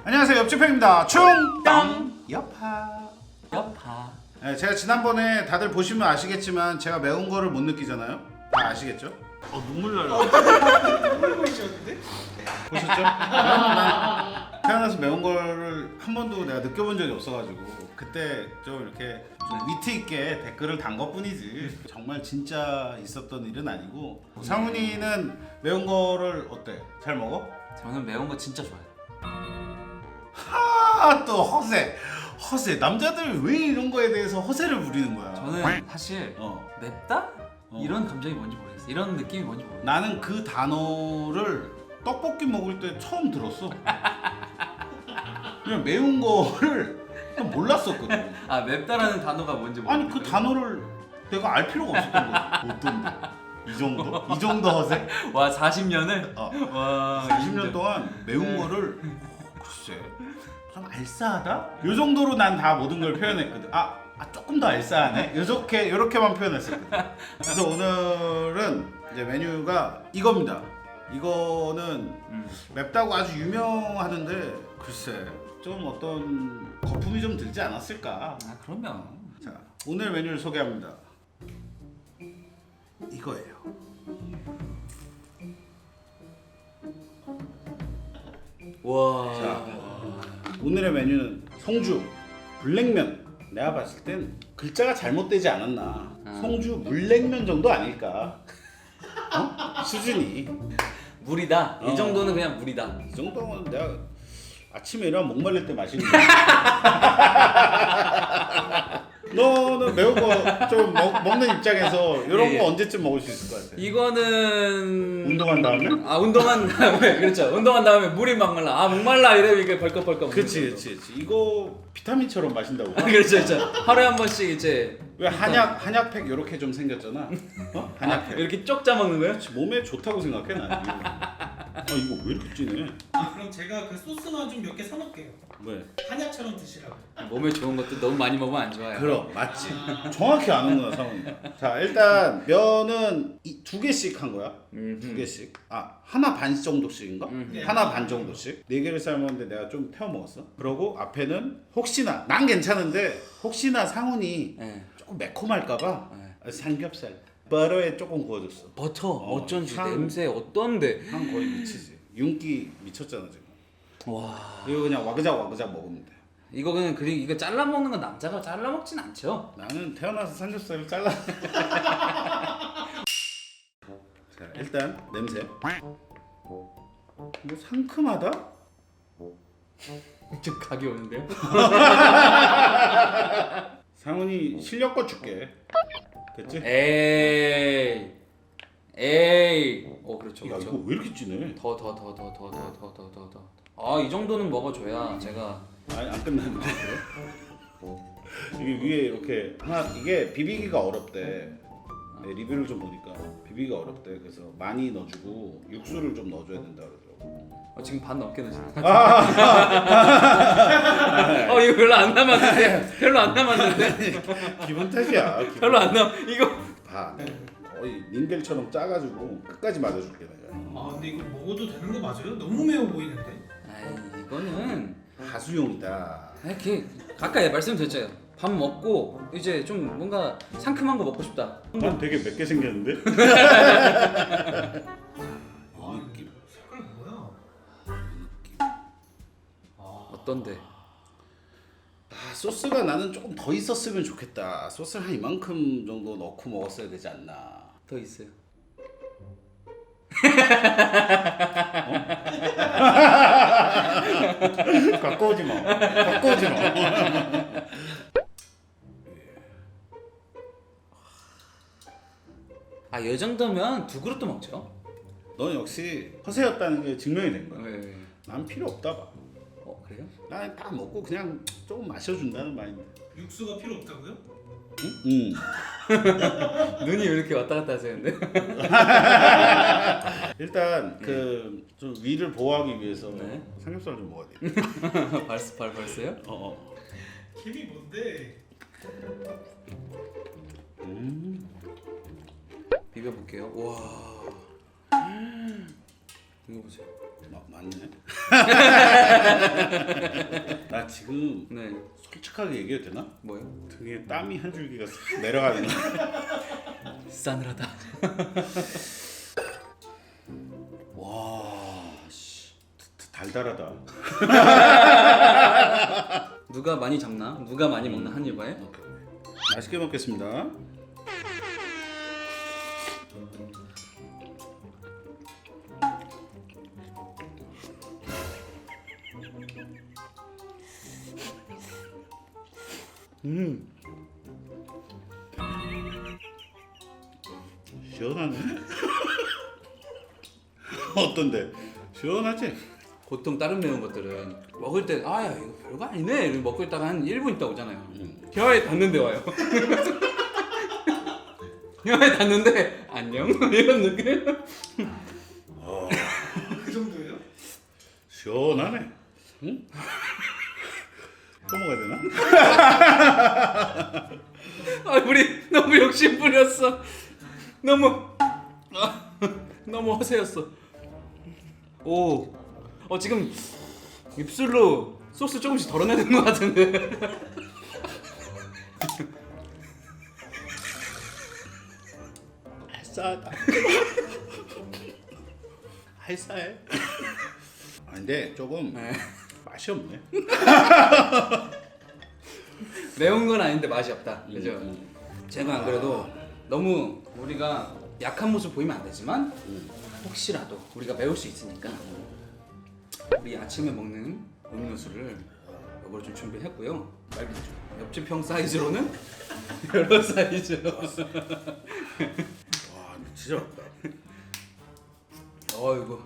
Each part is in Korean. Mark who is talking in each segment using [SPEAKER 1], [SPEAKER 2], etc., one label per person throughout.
[SPEAKER 1] 안녕하세요, 옆집행입니다. 충땅 여파. 네, 제가 지난번에 다들 보시면 아시겠지만 제가 매운 거를 못 느끼잖아요. 다 아시겠죠? 눈물 나요.
[SPEAKER 2] 눈물 보이셨는데?
[SPEAKER 1] 보셨죠? 난 태어나서 매운 거를 한 번도 내가 느껴본 적이 없어가지고 그때 좀 이렇게 좀 위트 있게 댓글을 단 것뿐이지 정말 진짜 있었던 일은 아니고. 상훈이는 매운 거를 어때? 잘 먹어?
[SPEAKER 3] 저는 매운 거 진짜 좋아해요.
[SPEAKER 1] 또 허세 남자들 왜 이런 거에 대해서 허세를 부리는 거야?
[SPEAKER 3] 저는 사실
[SPEAKER 1] 어.
[SPEAKER 3] 맵다? 이런 감정이 뭔지 모르겠어요. 이런 느낌이 뭔지 모르겠어요.
[SPEAKER 1] 나는 그 단어를 떡볶이 먹을 때 처음 들었어. 그냥 매운 거를 그냥 몰랐었거든.
[SPEAKER 3] 아, 맵다라는 단어가 뭔지
[SPEAKER 1] 아니
[SPEAKER 3] 모르겠어요.
[SPEAKER 1] 그 단어를 내가 알 필요가 없었던 거지. 어떤데? 이 정도? 이 정도 허세?
[SPEAKER 3] 와, 40년을?
[SPEAKER 1] 어.
[SPEAKER 3] 와,
[SPEAKER 1] 40년 동안 매운 거를 글쎄 좀 알싸하다? 요 정도로 난 다 모든 걸 표현했거든. 조금 더 알싸하네? 요렇게만 표현했었거든. 그래서 오늘은 이제 메뉴가 이겁니다. 이거는 맵다고 아주 유명하는데 글쎄 좀 어떤 거품이 좀 들지 않았을까.
[SPEAKER 3] 아, 그러면
[SPEAKER 1] 자, 오늘 메뉴를 소개합니다. 이거예요.
[SPEAKER 3] 와.
[SPEAKER 1] 자, 오늘의 메뉴는 성주 물냉면. 내가 봤을 땐 글자가 잘못되지 않았나. 성주 물냉면 정도 아닐까. 수준이.
[SPEAKER 3] 물이다. 이 정도는 그냥 물이다.
[SPEAKER 1] 이 정도면 내가 아침에 일어나면 목말릴 때 마시는 거야. 너는 매운 거 좀 먹는 입장에서 이런
[SPEAKER 3] 예, 예.
[SPEAKER 1] 거 언제쯤 먹을 수 있을 것 같아?
[SPEAKER 3] 이거는
[SPEAKER 1] 운동한 다음에?
[SPEAKER 3] 운동한 다음에 그렇죠. 운동한 다음에 물이 막 말라. 목말라 이래 이게 벌컥벌컥.
[SPEAKER 1] 그렇지. 이거 비타민처럼 마신다고.
[SPEAKER 3] 그렇죠. 하루에 한 번씩 이제
[SPEAKER 1] 왜 한약팩 이렇게 좀 생겼잖아. 한약팩.
[SPEAKER 3] 이렇게 쪽 짜먹는 거예요?
[SPEAKER 1] 몸에 좋다고 생각해 나는. 이거 왜 이렇게 진해?
[SPEAKER 2] 그럼 제가 그 소스만 좀 몇 개 사놓을게요.
[SPEAKER 1] 왜?
[SPEAKER 2] 한약처럼 드시라고.
[SPEAKER 3] 몸에 좋은 것도 너무 많이 먹으면 안 좋아요.
[SPEAKER 1] 그럼 맞지. 정확히 아는구나 상훈이가. 자, 일단 면은 두 개씩 한 거야. 두 개씩. 하나 반 정도씩인가?
[SPEAKER 2] 네.
[SPEAKER 1] 하나 반 정도씩. 네 개를 삶았는데 내가 좀 태워 먹었어. 그러고 앞에는 혹시나 난 괜찮은데 혹시나 상훈이
[SPEAKER 3] 네.
[SPEAKER 1] 조금 매콤할까봐 삼겹살 버터에 조금 구워줬어.
[SPEAKER 3] 버터 어쩐지
[SPEAKER 1] 향.
[SPEAKER 3] 냄새 어떤데?
[SPEAKER 1] 향 거의 미치지. 윤기 미쳤잖아 지금.
[SPEAKER 3] 와,
[SPEAKER 1] 이거 그냥 와그작 먹으면 돼.
[SPEAKER 3] 이거 그냥 이거 잘라 먹는 건 남자가 잘라 먹진 않죠.
[SPEAKER 1] 나는 태어나서 삼겹살을 잘라. 자, 일단 냄새. 이거 상큼하다?
[SPEAKER 3] 좀 각이 오는데요?
[SPEAKER 1] 상훈이 실력껏 줄게. 됐지?
[SPEAKER 3] 에이. 그렇죠.
[SPEAKER 1] 야,
[SPEAKER 3] 그렇죠.
[SPEAKER 1] 이거 왜 이렇게 진해?
[SPEAKER 3] 더. 이 정도는 먹어줘야 제가.
[SPEAKER 1] 아니, 안 끝났는데. 이게 위에 이렇게 이게 비비기가 어렵대. 네, 리뷰를 좀 보니까 비비기가 어렵대. 그래서 많이 넣어주고 육수를 좀 넣어줘야 된다 그러더라고.
[SPEAKER 3] 지금 반 넘게 넣으시네. 이거 별로 안 남았는데.
[SPEAKER 1] 기분 탓이야. 기분.
[SPEAKER 3] 별로 안 남. 이거.
[SPEAKER 1] 봐. 거의 닌겔처럼 짜가지고 끝까지 맞아줄게 내가.
[SPEAKER 2] 근데 이거 먹어도 되는 거 맞아요? 너무 매워 보이는데.
[SPEAKER 3] 이거는
[SPEAKER 1] 가수용이다.
[SPEAKER 3] 이렇게 가까이 말씀드렸잖아요. 밥 먹고 이제 좀 뭔가 상큼한 거 먹고 싶다.
[SPEAKER 1] 난 되게 맵게 생겼는데? 느낌.
[SPEAKER 2] 색깔 뭐야?
[SPEAKER 3] 어떤데?
[SPEAKER 1] 소스가 나는 조금 더 있었으면 좋겠다. 소스를 한 이만큼 정도 넣고 먹었어야 되지 않나.
[SPEAKER 3] 더 있어요.
[SPEAKER 1] 갖고 오지 마.
[SPEAKER 3] 이 정도면 두 그릇도 먹죠.
[SPEAKER 1] 넌 역시 허세였다는 게 증명이 된 거야.
[SPEAKER 3] 네.
[SPEAKER 1] 난 필요 없다 봐.
[SPEAKER 3] 그래요?
[SPEAKER 1] 난 딱 먹고 그냥 조금 마셔준다는 마인드.
[SPEAKER 2] 육수가 필요 없다고요?
[SPEAKER 1] 응?
[SPEAKER 3] 눈이 왜 이렇게 왔다 갔다 하시는데?
[SPEAKER 1] 일단 그 좀 위를 보호하기 위해서
[SPEAKER 3] 네.
[SPEAKER 1] 삼겹살 좀 먹어야 돼.
[SPEAKER 3] 벌써요?
[SPEAKER 2] 김이 뭔데?
[SPEAKER 3] 비벼볼게요. 와. 이거 보세요.
[SPEAKER 1] 맞네. 나 지금
[SPEAKER 3] 네.
[SPEAKER 1] 솔직하게 얘기해도 되나?
[SPEAKER 3] 뭐요?
[SPEAKER 1] 등에 땀이 한 줄기가 싹 내려가는 거.
[SPEAKER 3] 싸늘하다.
[SPEAKER 1] 와, 씨, 달달하다.
[SPEAKER 3] 누가 많이 잡나? 누가 많이 먹나 한 입에?
[SPEAKER 1] 맛있게 먹겠습니다. 시원하네. 어떤데? 시원하지?
[SPEAKER 3] 보통 다른 매운 것들은 먹을 때 아 야 이거 별거 아니네 이러고 먹고 있다가 한 1분 있다 오잖아요. 혀에 닿는데 와요. 혀에 닿는데 안녕 이런 느낌.
[SPEAKER 2] 그 정도예요?
[SPEAKER 1] 시원하네. 응? 또 먹어야 되나?
[SPEAKER 3] 아 우리 너무 욕심 부렸어. 너무 너무 허세였어. 오, 지금 입술로 소스 조금씩 덜어내는 것 같은데.
[SPEAKER 1] 알싸하다. 알싸해. 아, 근데 조금
[SPEAKER 3] 네.
[SPEAKER 1] 맛이 없네.
[SPEAKER 3] 매운 건 아닌데 맛이 없다. 그죠? 제가 안 그래도 너무 우리가 약한 모습 보이면 안 되지만 혹시라도 우리가 매울 수 있으니까 우리 아침에 먹는 음료수를 이걸 좀 준비했고요. 옆집 형 사이즈로는 여러 사이즈로.
[SPEAKER 1] 와, 진짜 맛있다.
[SPEAKER 3] 어이구.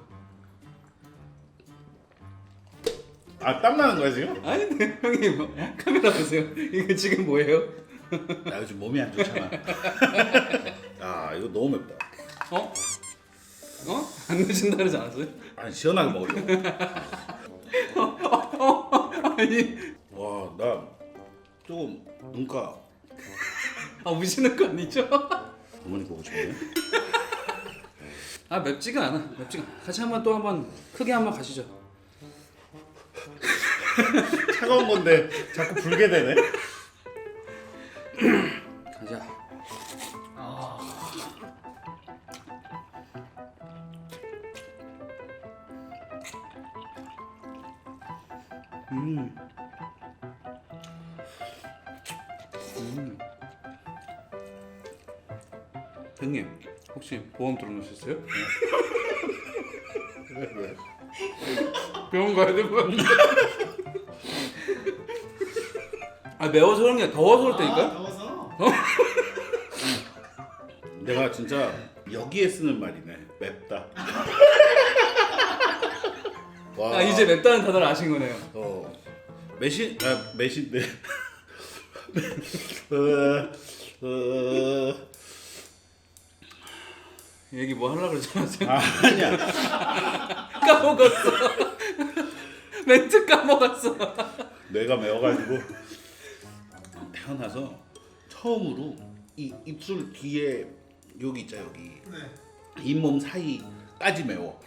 [SPEAKER 1] 아, 땀 나는 거야 지금?
[SPEAKER 3] 아니 네, 형이 뭐, 카메라 보세요. 이거 지금 뭐예요?
[SPEAKER 1] 나 요즘 몸이 안 좋잖아. 아, 이거 너무 맵다.
[SPEAKER 3] 어? 안 늦은다 그러지 않았어요?
[SPEAKER 1] 아니, 시원하게 먹으려고.
[SPEAKER 3] 아니
[SPEAKER 1] 와, 나 조금 눈가
[SPEAKER 3] 우시는 거 아니죠?
[SPEAKER 1] 어머니 보고 싶네.
[SPEAKER 3] 아 맵지가 않아. 맵지가 않아. 같이 한번 크게 한번 가시죠.
[SPEAKER 1] 차가운 건데 자꾸 불게 되네.
[SPEAKER 3] 가자. 형님 혹시 보험 들어놓으셨어요?
[SPEAKER 1] 왜?
[SPEAKER 3] 병원 가야 될 것 같은데. 아 매워서 그런 게 아니라 더워서 그럴 테니까.
[SPEAKER 2] 더워서?
[SPEAKER 1] 내가 진짜 여기에 쓰는 말이네. 맵다. 와.
[SPEAKER 3] 아 이제 맵다는 단어를 아신 거네요.
[SPEAKER 1] 매신데.
[SPEAKER 3] 얘기 뭐 하려고 그러지 않았어요?
[SPEAKER 1] 아니야.
[SPEAKER 3] 까먹었어. 멘트 까먹었어.
[SPEAKER 1] 뇌가 매워가지고 태어나서 처음으로 이 입술 뒤에 여기 있자 여기
[SPEAKER 2] 네.
[SPEAKER 1] 잇몸 사이까지 매워.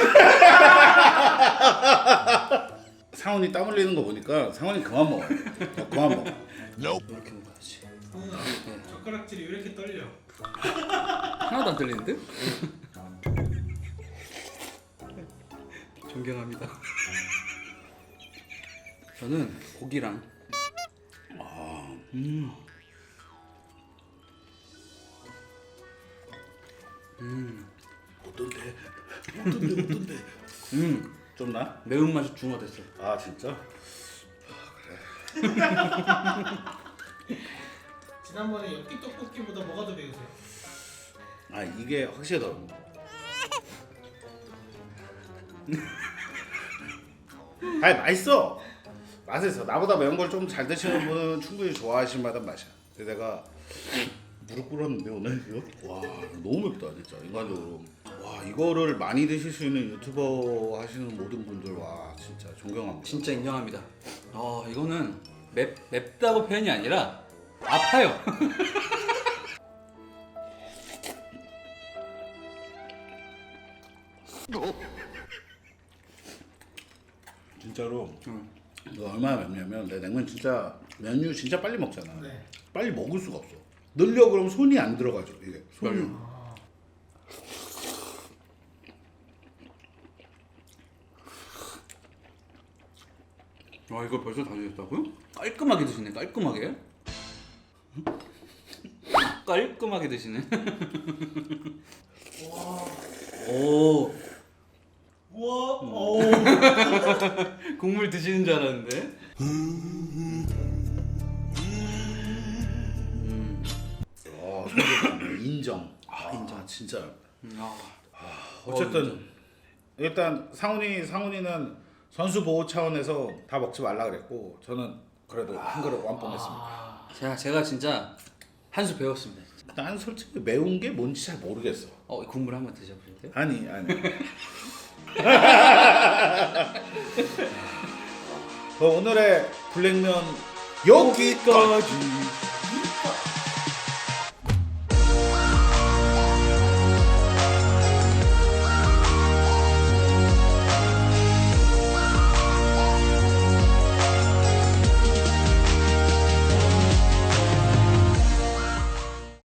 [SPEAKER 1] 상훈이 땀 흘리는 거 보니까 상훈이 그만 먹어. 그만 먹어.
[SPEAKER 3] 이렇게 먹어야지.
[SPEAKER 2] 성훈아, 젓가락질이 왜 이렇게 떨려?
[SPEAKER 3] 하나도 안 들리는데? 존경합니다. 저는 고기랑
[SPEAKER 1] 어떤데? 좀 나?
[SPEAKER 3] 매운맛이 중화됐어요.
[SPEAKER 1] 아 진짜?
[SPEAKER 2] 지난번에 엽기 떡볶이보다 뭐가 더 매우세요?
[SPEAKER 1] 아 이게 확실히 더. 아니 맛있어. 맛있어. 나보다 매운 걸 좀 잘 드시는 분은 충분히 좋아하실 만한 맛이야. 근데 내가 무릎 꿇었는데 오늘 이거 와 너무 맵다 진짜 인간적으로. 와 이거를 많이 드실 수 있는 유튜버 하시는 모든 분들 와 진짜 존경합니다.
[SPEAKER 3] 진짜 인정합니다. 이거는 맵다고 표현이 아니라 아파요.
[SPEAKER 1] 진짜로
[SPEAKER 3] 응.
[SPEAKER 1] 이거 얼마나 맵냐면 내 냉면 진짜 면류 진짜 빨리 먹잖아.
[SPEAKER 2] 네.
[SPEAKER 1] 빨리 먹을 수가 없어. 넣으려 그러면 손이 안 들어가죠 이게. 손이.
[SPEAKER 2] 아,
[SPEAKER 3] 와 이거 벌써 다 드셨다고요? 깔끔하게 드시네 깔끔하게. 깔끔하게 드시네. 오
[SPEAKER 2] 우와. 오.
[SPEAKER 3] 국물 드시는 줄 알았는데.
[SPEAKER 1] 인정. 인정. 진짜.
[SPEAKER 3] 아,
[SPEAKER 1] 어쨌든 일단 상훈이는 선수 보호 차원에서 다 먹지 말라 그랬고 저는 그래도 한 그릇 완뽕했습니다.
[SPEAKER 3] 제가 진짜 한 수 배웠습니다.
[SPEAKER 1] 난 솔직히 매운 게 뭔지 잘 모르겠어.
[SPEAKER 3] 이 국물 한번 드셔보실래요?
[SPEAKER 1] 아니. 오늘의 블랙면 여기까지.